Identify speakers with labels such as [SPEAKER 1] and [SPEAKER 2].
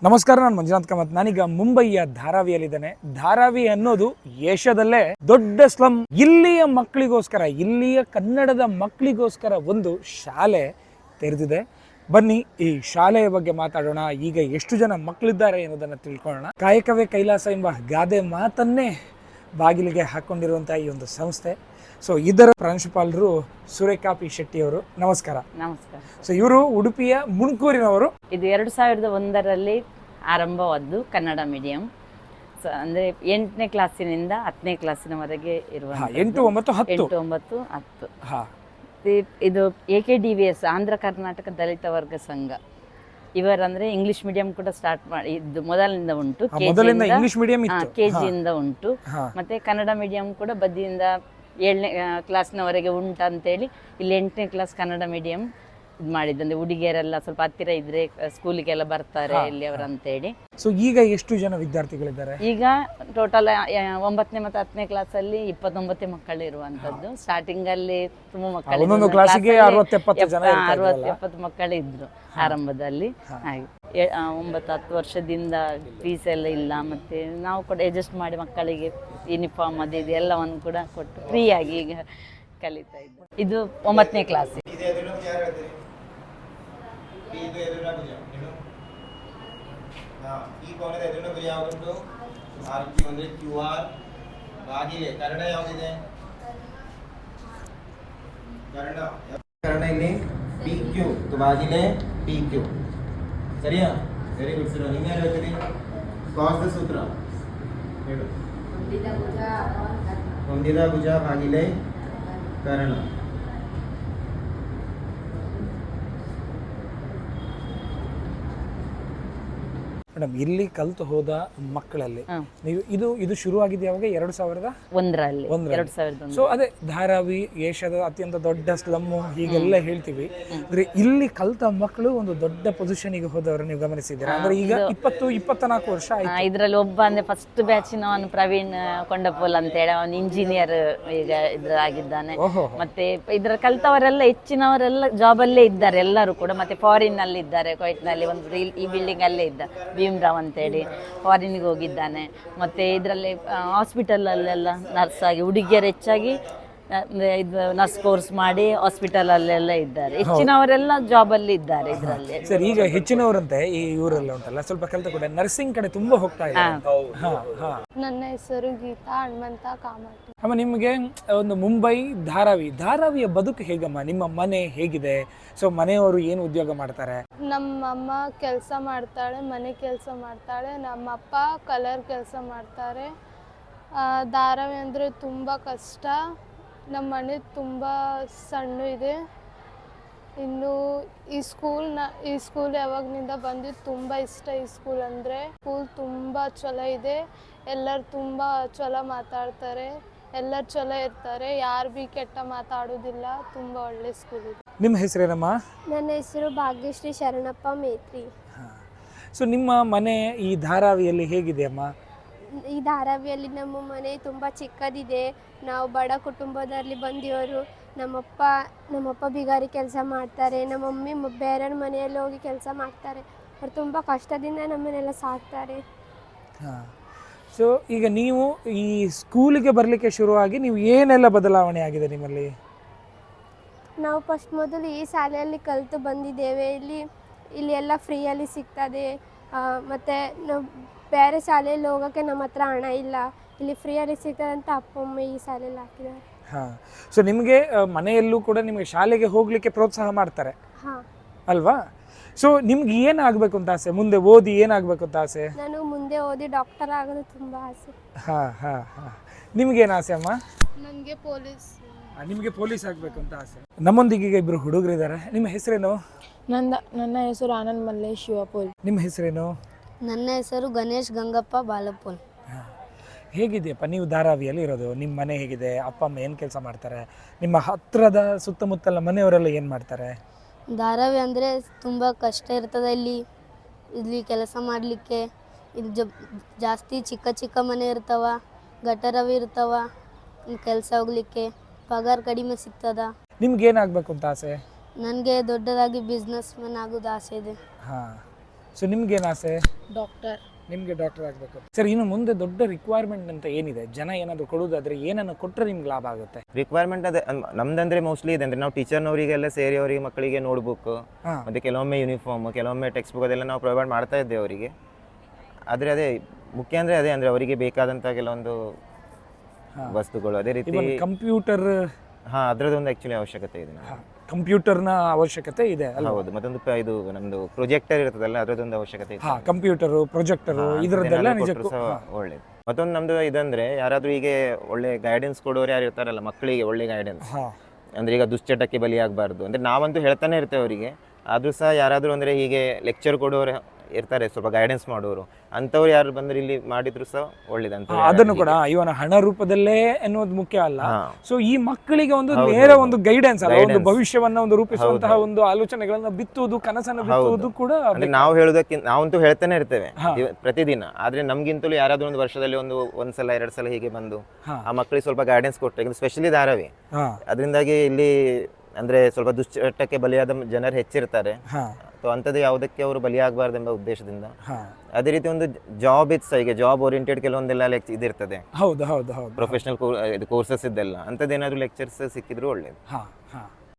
[SPEAKER 1] ನಮಸ್ಕಾರ, ನಾನು ಮಂಜುನಾಥ್ ಕಾಮತ್. ನಾನೀಗ ಮುಂಬಯಿಯ ಧಾರಾವಿಯಲ್ಲಿದ್ದೇನೆ. ಧಾರಾವಿ ಅನ್ನೋದು ಏಷ್ಯಾದಲ್ಲೇ ದೊಡ್ಡ ಸ್ಲಮ್. ಇಲ್ಲಿಯ ಮಕ್ಕಳಿಗೋಸ್ಕರ, ಇಲ್ಲಿಯ ಕನ್ನಡದ ಮಕ್ಕಳಿಗೋಸ್ಕರ ಒಂದು ಶಾಲೆ ತೆರೆದಿದೆ. ಬನ್ನಿ ಈ ಶಾಲೆಯ ಬಗ್ಗೆ ಮಾತಾಡೋಣ. ಈಗ ಎಷ್ಟು ಜನ ಮಕ್ಕಳಿದ್ದಾರೆ ಎನ್ನುವುದನ್ನು ತಿಳ್ಕೊಳ್ಳೋಣ. ಕಾಯಕವೇ ಕೈಲಾಸ ಎಂಬ ಗಾದೆ ಮಾತನ್ನೇ ಬಾಗಿಲಿಗೆ ಹಾಕೊಂಡಿರುವಂತಹ ಈ ಒಂದು ಸಂಸ್ಥೆ. ಸೊ ಇದರ ಪ್ರಾಂಶುಪಾಲರು ಸುರೇಖಾ ಪಿ ಶೆಟ್ಟಿ ಅವರು. ನಮಸ್ಕಾರ.
[SPEAKER 2] ನಮಸ್ಕಾರ.
[SPEAKER 1] ಸೊ ಇವರು ಉಡುಪಿಯ ಮುಣಕೂರಿನವರು.
[SPEAKER 2] ಇದು 2001ರಲ್ಲಿ ಆರಂಭವಾದ್ದು ಕನ್ನಡ ಮೀಡಿಯಂ. ಸೊ ಅಂದರೆ 8ನೇ ಕ್ಲಾಸಿನಿಂದ 10ನೇ ಕ್ಲಾಸಿನವರೆಗೆ ಇರುವ
[SPEAKER 1] 8, 9, 10.
[SPEAKER 2] ಇದು AKDVS ಆಂಧ್ರ ಕರ್ನಾಟಕ ದಲಿತ ವರ್ಗ ಸಂಘ. ಇವರಂದ್ರೆ ಇಂಗ್ಲಿಷ್ ಮೀಡಿಯಂ ಕೂಡ ಸ್ಟಾರ್ಟ್ ಮಾಡಿ ಇದು ಮೊದಲಿನಿಂದ ಉಂಟು. KG ಉಂಟು. ಮತ್ತೆ ಕನ್ನಡ ಮೀಡಿಯಂ ಕೂಡ ಬದಿಯಿಂದ 7ನೇ ಕ್ಲಾಸ್ನವರೆಗೆ ಉಂಟಂತೇಳಿ ಇಲ್ಲಿ 8ನೇ ಕ್ಲಾಸ್ ಕನ್ನಡ ಮೀಡಿಯಂ ಇದು ಮಾಡಿದ್ದಂದ್ರೆ ಹುಡುಗಿಯರೆಲ್ಲ ಸ್ವಲ್ಪ ಹತ್ತಿರ ಇದ್ರೆ ಸ್ಕೂಲಿಗೆಲ್ಲ ಬರ್ತಾರೆ ಇಲ್ಲಿ ಅವರಂತೇಳಿ.
[SPEAKER 1] ಸೊ ಈಗ ಎಷ್ಟು ಜನ ವಿದ್ಯಾರ್ಥಿಗಳಿದ್ದಾರೆ?
[SPEAKER 2] ಈಗ ಟೋಟಲ್ 9ನೇ ಮತ್ತು 10ನೇ ಕ್ಲಾಸಲ್ಲಿ 29 ಮಕ್ಕಳು ಇರುವಂತದ್ದು. ಸ್ಟಾರ್ಟಿಂಗ್ ಅಲ್ಲಿ ತುಂಬಾ ಮಕ್ಕಳು, 60-70 ಮಕ್ಕಳು ಇದ್ರು ಆರಂಭದಲ್ಲಿ. ಹಾಗೆ 9-10 ವರ್ಷದಿಂದ ಫೀಸ್ ಎಲ್ಲ ಇಲ್ಲ. ಮತ್ತೆ ನಾವು ಕೂಡ ಅಡ್ಜಸ್ಟ್ ಮಾಡಿ ಮಕ್ಕಳಿಗೆ ಯೂನಿಫಾರ್ಮ್ ಅದು ಇದು ಎಲ್ಲವನ್ನು ಕೂಡ ಕೊಟ್ಟು ಫ್ರೀ ಆಗಿ ಈಗ ಕಲಿತಾ ಇದ್ದು. ಇದು 9ನೇ ಕ್ಲಾಸ್.
[SPEAKER 3] ಈ ಕೋಣದ ಎದುರಿನ ಗುರಿ ಯಾವುದು? RQ ಅಂದ್ರೆ QR. ಬಾಗಿಲೆ ಕನ್ನಡ ಯಾವುದಿದೆ? ಕನ್ನಡ ಇಲ್ಲಿ PQ. ಬಾಗಿಲೆ PQ. ಸರಿಯಾ? Very good sir. ನಿಮ್ಗೆ ಯಾರು ಹೇಳ್ತೀರಿ? ಕಾಸ್ ಸೂತ್ರ ಹೇಳು. ಹೊಂದಿದ ಭುಜ ಬಾಗಿಲೆ ಕರ್ಣ.
[SPEAKER 1] ಮೇಡಮ್, ಇಲ್ಲಿ ಕಲ್ತು ಹೋದ ಮಕ್ಕಳಲ್ಲಿ ನೀವು ಇದು ಶುರು ಆಗಿದ್ದು ಯಾವಾಗ? 2001ರಲ್ಲಿ. ಸೊ ಅದೇ ಧಾರಾವಿ ಏಷ್ಯಾದ ಅತ್ಯಂತ ದೊಡ್ಡ ಸ್ಲಮ್ಮು ಹೀಗೆಲ್ಲ ಹೇಳ್ತೀವಿ. ಅಂದ್ರೆ ಇಲ್ಲಿ ಕಲ್ತ ಮಕ್ಕಳು ಒಂದು ದೊಡ್ಡ ಪೊಸಿಷನ್ಗೆ ಹೋದವರು ನೀವು ಗಮನಿಸಿದ್ದೀರಾ? ಅಂದ್ರೆ ಈಗ 20-24 ವರ್ಷ ಆಯ್ತು.
[SPEAKER 2] ಇದರಲ್ಲಿ ಒಬ್ಬ ಅಂದ್ರೆ ಫಸ್ಟ್ ಬ್ಯಾಚಿನವನು ಪ್ರವೀಣ್ ಕೊಂಡಪೋಲ್ ಅಂತ ಹೇಳಿ, ಅವನು ಇಂಜಿನಿಯರ್ ಈಗ ಇದ್ರಾಗಿದ್ದಾನೆ. ಮತ್ತೆ ಇದ್ರ ಕಲ್ತವರೆಲ್ಲ ಹೆಚ್ಚಿನವರೆಲ್ಲ ಜಾಬ್ ಅಲ್ಲೇ ಇದ್ದಾರೆ ಎಲ್ಲರೂ ಕೂಡ. ಮತ್ತೆ ಫಾರಿನ್ ನಲ್ಲಿ ಇದ್ದಾರೆ, ಕುವೈಟ್ ನಲ್ಲಿ ಒಂದು ಈ ಬಿಲ್ಡಿಂಗ್ ಅಲ್ಲೇ ಇದ್ದ ಭೀಮ್ರಾವ್ ಅಂತೇಳಿ ಫಾರಿನ್ಗೆ ಹೋಗಿದ್ದಾನೆ. ಮತ್ತೆ ಇದರಲ್ಲಿ ಹಾಸ್ಪಿಟಲ್ ಅಲ್ಲೆಲ್ಲ ನರ್ಸ್ ಆಗಿ, ಹುಡುಗಿಯರು ಹೆಚ್ಚಾಗಿ ಇದು ನರ್ಸ್ ಕೋರ್ಸ್ ಮಾಡಿ ಹಾಸ್ಪಿಟಲ್ ಅಲ್ಲೆಲ್ಲ ಇದ್ದಾರೆ. ಹೆಚ್ಚಿನವರೆಲ್ಲ ಜಾಬ್ ಅಲ್ಲಿ ಇದ್ದಾರೆ ಇದರಲ್ಲಿ.
[SPEAKER 1] ಸರ್, ಈಗ ಹೆಚ್ಚಿನವರಂತೆ ಈ ಊರೆಲ್ಲ ಉಂಟಲ್ಲ ಸ್ವಲ್ಪ ಕಲ್ತ ಕೂಡ ನರ್ಸಿಂಗ್ ಕಡೆ ತುಂಬಾ ಹೋಗ್ತಾ ಇದ್ದಾರೆ.
[SPEAKER 4] ನನ್ನ ಹೆಸರು ಗೀತಾ ಹನುಮಂತ ಕಾಮತ್.
[SPEAKER 1] ಅಮ್ಮ, ನಿಮಗೆ ಒಂದು ಮುಂಬೈ ಧಾರಾವಿಯ ಬದುಕು ಹೇಗಮ್ಮ? ನಿಮ್ಮ ಮನೆ ಹೇಗಿದೆ? ಸೊ ಮನೆಯವರು ಏನು ಉದ್ಯೋಗ ಮಾಡ್ತಾರೆ?
[SPEAKER 4] ನಮ್ಮಮ್ಮ ಕೆಲಸ ಮಾಡ್ತಾಳೆ, ಮನೆ ಕೆಲಸ ಮಾಡ್ತಾಳೆ. ನಮ್ಮಪ್ಪ ಕಲರ್ ಕೆಲಸ ಮಾಡ್ತಾರೆ. ಧಾರಾವಿ ಅಂದರೆ ತುಂಬ ಕಷ್ಟ. ನಮ್ಮ ಮನೆ ತುಂಬ ಸಣ್ಣ ಇದೆ. ಇನ್ನು ಈ ಸ್ಕೂಲ್ ಯಾವಾಗನಿಂದ ಬಂದಿದ್ದು ತುಂಬ ಇಷ್ಟ. ಈ ಸ್ಕೂಲ್ ಅಂದರೆ ಸ್ಕೂಲ್ ತುಂಬ ಚಲೋ ಇದೆ. ಎಲ್ಲರೂ ತುಂಬ ಚಲೋ ಮಾತಾಡ್ತಾರೆ, ಎಲ್ಲರೂ ಚಲೋ ಇರ್ತಾರೆ, ಯಾರು ಭೀ ಕೆಟ್ಟ ಮಾತಾಡೋದಿಲ್ಲ. ತುಂಬ ಒಳ್ಳೆ ಸ್ಕೂಲ್ ಇದೆ.
[SPEAKER 1] ನಿಮ್ಮ ಹೆಸರೇನಮ್ಮ?
[SPEAKER 4] ನನ್ನ ಹೆಸರು ಭಾಗ್ಯಶ್ರೀ ಶರಣಪ್ಪ ಮೇತ್ರಿ.
[SPEAKER 1] ಸೊ ನಿಮ್ಮ ಮನೆ ಈ ಧಾರಾವಿಯಲ್ಲಿ ಹೇಗಿದೆ ಅಮ್ಮ?
[SPEAKER 4] ಈ ಧಾರಾವಿಯಲ್ಲಿ ನಮ್ಮ ಮನೆ ತುಂಬ ಚಿಕ್ಕದಿದೆ. ನಾವು ಬಡ ಕುಟುಂಬದಲ್ಲಿ ಬಂದಿವರು. ನಮ್ಮಪ್ಪ ಬಿಗಾರಿ ಕೆಲಸ ಮಾಡ್ತಾರೆ. ನಮ್ಮ ಮಮ್ಮಿ ಬೇರೆಯವ್ರ ಮನೆಯಲ್ಲಿ ಹೋಗಿ ಕೆಲಸ ಮಾಡ್ತಾರೆ. ಅವ್ರು ತುಂಬ ಕಷ್ಟದಿಂದ ನಮ್ಮನ್ನೆಲ್ಲ ಸಾಕ್ತಾರೆ.
[SPEAKER 1] ಸೊ ಈಗ ನೀವು ಈ ಸ್ಕೂಲಿಗೆ ಬರಲಿಕ್ಕೆ ಶುರುವಾಗಿ ನೀವು ಏನೆಲ್ಲ ಬದಲಾವಣೆ ಆಗಿದೆ ನಿಮ್ಮಲ್ಲಿ?
[SPEAKER 4] ನಾವು ಮೊದಲು ಈ ಶಾಲೆಯಲ್ಲಿ ಕಲಿತು ಬಂದಿದ್ದೇವೆ. ಇಲ್ಲಿ ಎಲ್ಲ ಫ್ರೀಯಲ್ಲಿ ಸಿಗ್ತದೆ. ಮತ್ತು ನಾವು ಬೇರೆ ಶಾಲೆಯಲ್ಲಿ ಹೋಗೋಕ್ಕೆ ನಮ್ಮ ಹತ್ರ ಹಣ ಇಲ್ಲ. ಇಲ್ಲಿ ಫ್ರೀಯಲ್ಲಿ ಸಿಗ್ತದೆ ಅಂತ ಅಪ್ಪ ಅಮ್ಮ ಈ ಶಾಲೆಯಲ್ಲಿ ಹಾಕಿದ್ದಾರೆ.
[SPEAKER 1] ಸೊ ನಿಮಗೆ ಮನೆಯಲ್ಲೂ ಕೂಡ ನಿಮಗೆ ಶಾಲೆಗೆ ಹೋಗಲಿಕ್ಕೆ ಪ್ರೋತ್ಸಾಹ ಮಾಡ್ತಾರೆ ಅಲ್ವಾ? ಸೊ ನಿಮ್ಗೆ ಏನಾಗಬೇಕು ಅಂತ ಆಸೆ? ಮುಂದೆ ಓದಿ ಏನಾಗಬೇಕು ಅಂತ ಆಸೆ?
[SPEAKER 4] ನಾನು ಮುಂದೆ ಓದಿ ಡಾಕ್ಟರ್ ಆಗೋದು ತುಂಬ ಆಸೆ.
[SPEAKER 1] ನಿಮ್ಗೇನು ಆಸೆ ಅಮ್ಮ?
[SPEAKER 4] ನನಗೆ ಪೊಲೀಸ್.
[SPEAKER 1] ನಿಮಗೆ ಪೊಲೀಸ್ ಆಗಬೇಕು ಅಂತ ಆಸೆ. ನಮ್ಮೊಂದಿಗೆ ಈಗ ಇಬ್ಬರು ಹುಡುಗರಿದ್ದಾರೆ. ನಿಮ್ಮ ಹೆಸರೇನು?
[SPEAKER 5] ನನ್ನ ಹೆಸರು ಆನಂದ್ ಮಲ್ಲೇಶ್ ಶಿವಪೋಲ್.
[SPEAKER 1] ನಿಮ್ಮ ಹೆಸರೇನು?
[SPEAKER 5] ನನ್ನ ಹೆಸರು ಗಣೇಶ್ ಗಂಗಪ್ಪ ಬಾಲಪೋಲ್.
[SPEAKER 1] ಹೇಗಿದೆಯಪ್ಪ ನೀವು ಧಾರಾವಿಯಲ್ಲಿ ಇರೋದು? ನಿಮ್ಮ ಮನೆ ಹೇಗಿದೆ? ಅಪ್ಪ ಅಮ್ಮ ಏನು ಕೆಲಸ ಮಾಡ್ತಾರೆ? ನಿಮ್ಮ ಹತ್ತಿರದ ಸುತ್ತಮುತ್ತಲ ಮನೆಯವರೆಲ್ಲ ಏನು ಮಾಡ್ತಾರೆ?
[SPEAKER 5] ಧಾರಾವಿ ಅಂದರೆ ತುಂಬ ಕಷ್ಟ ಇರ್ತದೆ. ಇಲ್ಲಿ ಕೆಲಸ ಮಾಡಲಿಕ್ಕೆ ಇಲ್ಲಿ ಜಾಸ್ತಿ ಚಿಕ್ಕ ಮನೆ ಇರ್ತಾವ, ಗಟರವಿ ಇರ್ತಾವ. ಕೆಲಸ ಹೋಗ್ಲಿಕ್ಕೆ ಪಗಾರ ಕಡಿಮೆ ಸಿಗ್ತದ.
[SPEAKER 1] ನಿಮ್ಗೆ ಏನಾಗಬೇಕು ಅಂತ ಆಸೆ?
[SPEAKER 5] ನನಗೆ ದೊಡ್ಡದಾಗಿ ಬಿಸ್ನೆಸ್ ಮ್ಯಾನ್ ಆಗೋದು ಆಸೆ ಇದೆ.
[SPEAKER 1] ಸೊ ನಿಮ್ಗೇನು ಆಸೆ?
[SPEAKER 4] ಡಾಕ್ಟರ್.
[SPEAKER 1] ನಿಮಗೆ ಡಾಕ್ಟರ್ ಆಗಬೇಕು. ಸರ್, ಇನ್ನು ಮುಂದೆ ದೊಡ್ಡ ರಿಕ್ವೈರ್ಮೆಂಟ್ ಅಂತ ಏನಿದೆ? ಜನ ಏನಾದರೂ ಕೊಡೋದಾದ್ರೆ ಏನನ್ನು ಕೊಟ್ಟರೆ ನಿಮ್ಗೆ ಲಾಭ ಆಗುತ್ತೆ?
[SPEAKER 6] ರಿಕ್ವೈರ್ಮೆಂಟ್ ಅದೇ ನಮ್ದಂದ್ರೆ ಮೋಸ್ಟ್ಲಿ ಇದೆ ಅಂದ್ರೆ ನಾವು ಟೀಚರ್ನವರಿಗೆಲ್ಲ ಸೇರಿ ಅವರಿಗೆ ಮಕ್ಕಳಿಗೆ ನೋಟ್ಬುಕ್
[SPEAKER 1] ಹಾ.
[SPEAKER 6] ಮತ್ತೆ ಕೆಲವೊಮ್ಮೆ ಯೂನಿಫಾರ್ಮ್, ಕೆಲವೊಮ್ಮೆ ಟೆಕ್ಸ್ಟ್ ಬುಕ್ ಅದೆಲ್ಲ ನಾವು ಪ್ರೊವೈಡ್ ಮಾಡ್ತಾ ಇದ್ದೇವೆ ಅವರಿಗೆ. ಆದರೆ ಅದೇ ಮುಖ್ಯ ಅಂದರೆ ಅದೇ ಅಂದರೆ ಅವರಿಗೆ ಬೇಕಾದಂಥ ಕೆಲವೊಂದು ವಸ್ತುಗಳು ಅದೇ ರೀತಿ
[SPEAKER 1] ಕಂಪ್ಯೂಟರ್.
[SPEAKER 6] ಹಾಂ, ಅದರದ್ದೊಂದು ಆ್ಯಕ್ಚುಲಿ ಅವಶ್ಯಕತೆ ಇದೆ.
[SPEAKER 1] ಕಂಪ್ಯೂಟರ್ನ ಅವಶ್ಯಕತೆ ಇದೆ ಅಲ್ವಾ?
[SPEAKER 6] ಹೌದು, ಮತ್ತೊಂದು ಇದು ನಮ್ಮದು ಪ್ರೊಜೆಕ್ಟರ್ ಇರ್ತದಲ್ಲ, ಅದರದ್ದೊಂದು ಅವಶ್ಯಕತೆ ಇದೆ.
[SPEAKER 1] ಕಂಪ್ಯೂಟರು, ಪ್ರೊಜೆಕ್ಟರು, ಇದರದ್ದೆಲ್ಲ ನಿಜಕ್ಕೂ
[SPEAKER 6] ಒಳ್ಳೇದು. ಮತ್ತೊಂದು ನಮ್ದು ಇದಂದ್ರೆ ಯಾರಾದ್ರೂ ಹೀಗೆ ಒಳ್ಳೆ ಗೈಡೆನ್ಸ್ ಕೊಡೋರು ಯಾರು ಇರ್ತಾರಲ್ಲ ಮಕ್ಕಳಿಗೆ, ಒಳ್ಳೆ ಗೈಡೆನ್ಸ್ ಅಂದ್ರೆ ಈಗ ದುಶ್ಚಟಕ್ಕೆ ಬಲಿಯಾಗಬಾರ್ದು ಅಂದ್ರೆ ನಾವಂತೂ ಹೇಳ್ತಾನೆ ಇರ್ತೇವೆ ಅವರಿಗೆ. ಆದ್ರೂ ಸಹ ಯಾರಾದ್ರೂ ಅಂದ್ರೆ ಹೀಗೆ ಲೆಕ್ಚರ್ ಕೊಡೋರು ಇರ್ತಾರೆ, ಸ್ವಲ್ಪ ಗೈಡೆನ್ಸ್ ಮಾಡೋರು, ಅಂಥವ್ರು ಯಾರು ಬಂದ್ರೆ ಇಲ್ಲಿ ಮಾಡಿದ್ರು ಸಹ ಒಳ್ಳೇದಂತ.
[SPEAKER 1] ಅದನ್ನು ಕೂಡ ಇವನ ಹಣ ರೂಪದಲ್ಲೇ ಎನ್ನುವುದು ಮುಖ್ಯ ಅಲ್ಲ. ಸೊ ಈ ಮಕ್ಕಳಿಗೆ ಒಂದು ನೇರ ಒಂದು ಗೈಡೆನ್ಸ್ ಅಲ್ಲ, ಒಂದು ಭವಿಷ್ಯವನ್ನ ಒಂದು ರೂಪಿಸುವಂತಹ ಒಂದು ಆಲೋಚನೆಗಳನ್ನ ಬಿತ್ತುವುದು, ಕನಸನ್ನು ಬಿತ್ತುವುದು ಕೂಡ
[SPEAKER 6] ಅಂದ್ರೆ ನಾವು ಹೇಳೋದಕ್ಕಿಂತ ನಾವಂತೂ ಹೇಳ್ತಾನೆ ಇರ್ತೇವೆ ಪ್ರತಿದಿನ. ಆದ್ರೆ ನಮ್ಗಿಂತಲೂ ಯಾರಾದ್ರೂ ಒಂದು ವರ್ಷದಲ್ಲಿ ಒಂದ್ಸಲ 2 ಸಲ ಹೀಗೆ ಬಂದು ಆ ಮಕ್ಕಳಿಗೆ ಸ್ವಲ್ಪ ಗೈಡೆನ್ಸ್ ಕೊಟ್ಟರೆ, ಸ್ಪೆಷಲಿ ಧಾರಾವಿ, ಅದರಿಂದಾಗಿ ಇಲ್ಲಿ ಅಂದ್ರೆ ಸ್ವಲ್ಪ ದುಶ್ಚಟಕ್ಕೆ ಬಲಿಯಾದ ಜನರು ಹೆಚ್ಚಿರ್ತಾರೆ. ಸೊ ಅಂಥದ್ದು ಯಾವುದಕ್ಕೆ ಅವರು ಬಲಿಯಾಗಬಾರ್ದೆಂಬ ಉದ್ದೇಶದಿಂದ ಅದೇ ರೀತಿ ಒಂದು ಜಾಬ್ ಇತ್ತು, ಈಗ ಜಾಬ್ ಓರಿಯೆಂಟೆಡ್ ಕೆಲವೊಂದೆಲ್ಲ ಇದಿರ್ತದೆ.
[SPEAKER 1] ಹೌದು ಹೌದು ಹೌದು,
[SPEAKER 6] ಪ್ರೊಫೆಷನಲ್ ಕೋರ್ಸಸ್ ಇದ್ದೆಲ್ಲ ಅಂಥದ್ದೇನಾದ್ರೂ ಲೆಕ್ಚರ್ಸ್ ಸಿಕ್ಕಿದ್ರು ಒಳ್ಳೇದು.